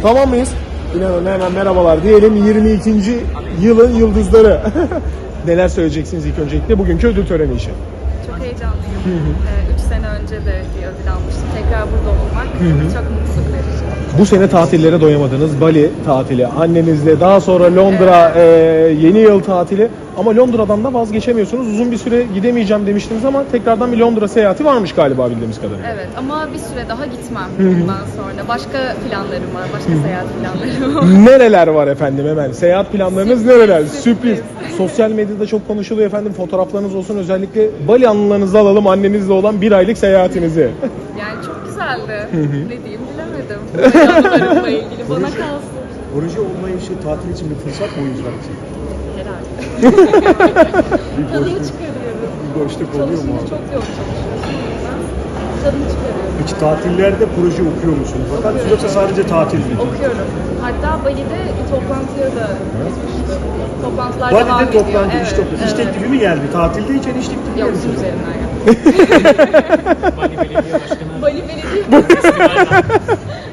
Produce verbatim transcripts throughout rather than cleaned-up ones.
Tamam mıyız? İnanın hemen merhabalar diyelim. yirmi ikinci yılın yıldızları. Neler söyleyeceksiniz ilk öncelikle bugünkü ödül töreni için? Çok heyecanlıyım. Ee, üç sene önce de bir ödül almıştım. Tekrar burada olmak çok mutluluk verici. Bu sene tatillere doyamadınız. Bali tatili, annenizle, daha sonra Londra e, yeni yıl tatili. Ama Londra'dan da vazgeçemiyorsunuz. Uzun bir süre gidemeyeceğim demiştiniz ama tekrardan bir Londra seyahati varmış galiba bildiğimiz kadarıyla. Evet ama bir süre daha gitmem bundan sonra. Başka planlarım var, başka seyahat planlarım var. Nereler var efendim hemen? Seyahat planlarınız Sürpriz, nereler? sürpriz. Sürpriz. Sosyal medyada çok konuşuluyor efendim. Fotoğraflarınız olsun, özellikle Bali anılarınızı alalım annemizle olan bir aylık seyahatinizi. Yani çok güzeldi. Ne diyeyim bilemedim. Böyle anılarımla ilgili bana kalsın. Proje olmayışı tatil için bir fırsat mı oyuncular için? Herhalde. Bir Tadını boşluk, çıkarıyorum. bir boşluk oluyor mu? Çalışınca çok yoğun çalışıyorsun. Tadını çıkarıyorum. Peki tatillerde proje okuyor musunuz? Fakat yoksa sadece tatil mi? Okuyorum. Hatta Bali'de bir toplantıya da gitmiştim. Toplantılar devam Bali'de ediyor. toplantı, iş Evet, toplantısı. İş evet. teklifi mi geldi? Tatilde hiç iş teklifi Yok, geldi. bizim üzerinden yani. Bali Belediye Başkanı. Bali Belediye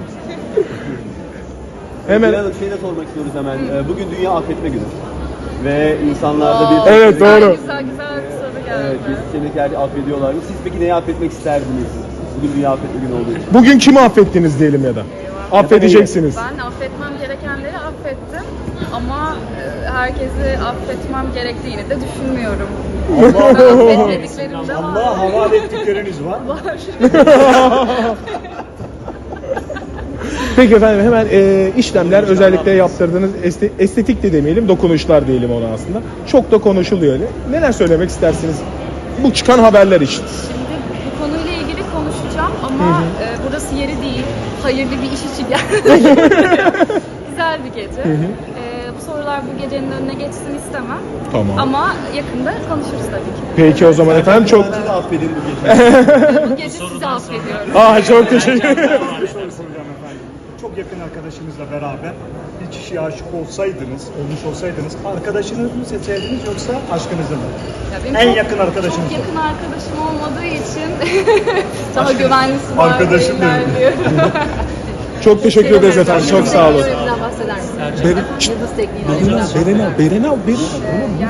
Hemen. Hemen şey de sormak istiyoruz hemen. Ee, Bugün Dünya Affetme Günü. Ve insanlarda bir... Evet, güzel, doğru. Güzel güzel bir soru geldi. Evet, müzisyenlikler affediyorlar mı? Siz peki neyi affetmek isterdiniz? Bugün Dünya Affetme Günü olduğu için. Bugün kimi affettiniz diyelim ya da? Affedeceksiniz. Ben affetmem gerekenleri affettim ama e, herkesi affetmem gerektiğini de düşünmüyorum. Ben affetmediklerim de var. Allah'a havale ettikleriniz var. Var. Peki efendim hemen e, işlemler özellikle yaptırdığınız este, estetik de demeyelim, dokunuşlar diyelim ona aslında. Çok da konuşuluyor öyle. Neler söylemek istersiniz bu çıkan haberler için? Şimdi bu konuyla ilgili konuşacağım ama e, burası yeri değil. Hayırlı bir iş için geldim. Güzel bir gece. E, bu sorular bu gecenin önüne geçsin istemem. Tamam. Ama yakında konuşuruz tabii ki. Peki o zaman efendim çok... Sizi de affedin bu gece. Bu gece sizi affediyorum. Aa çok teşekkür ederim. Bir soru soracağım efendim. Çok yakın arkadaşınızla beraber bir kişiye aşık olsaydınız, olmuş olsaydınız, arkadaşınızı mı seçerdiniz yoksa aşkınızı mı? Ya benim En çok- yakın arkadaşınız Çok mı? yakın arkadaşım olmadığı için daha güvenlisi var. Arkadaşım değiller benim. diyor. Çok teşekkür ederiz efendim. Çok sağ olun. Teknolojiden bahseder misiniz? Beren, Yıldız tekniği. Berena, Berena, Berena, Berena.